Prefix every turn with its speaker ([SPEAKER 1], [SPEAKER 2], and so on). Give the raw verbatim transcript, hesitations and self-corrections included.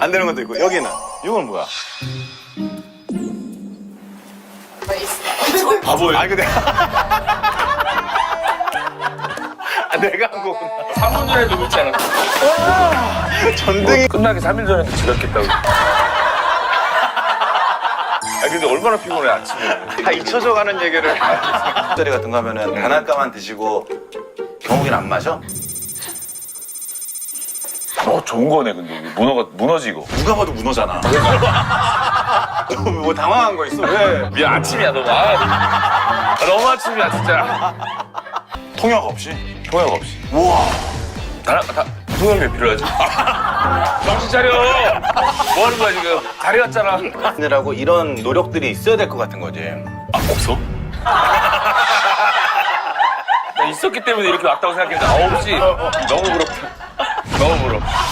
[SPEAKER 1] 안 되는 것도 있고. 여기는 이건 뭐야? 바보야. 아니 근데 아, 내가 한 거구나.
[SPEAKER 2] 삼 분 전에 누구 있지 않았어?
[SPEAKER 1] 전등이
[SPEAKER 2] 끝나기 삼 일 전에도 지각했다고. 아 근데 얼마나 피곤해 아침에.
[SPEAKER 1] 다 잊혀져 가는 얘기를. 자리 같은 거 하면은 단아까만 드시고 경욱이는 안 마셔?
[SPEAKER 2] 어 좋은 거네 근데 이게 문어가 무너지고.
[SPEAKER 1] 누가 봐도 문어잖아. 너 뭐 당황한 거 있어? 왜?
[SPEAKER 2] 미안 아침이야 너무. 아, 너무 아침이야 진짜.
[SPEAKER 1] 통역 없이?
[SPEAKER 2] 통역 없이.
[SPEAKER 1] 우와.
[SPEAKER 2] 다, 다 통역이 왜 필요하지? 정신 차려. 뭐 하는 거야 지금? 다리 왔잖아.
[SPEAKER 1] 하느라고 이런 노력들이 있어야 될 것 같은 거지.
[SPEAKER 2] 아 없어? 나 있었기 때문에 이렇게 왔다고 생각했는데 아 없지. 너무 부럽다. 너무 부럽다.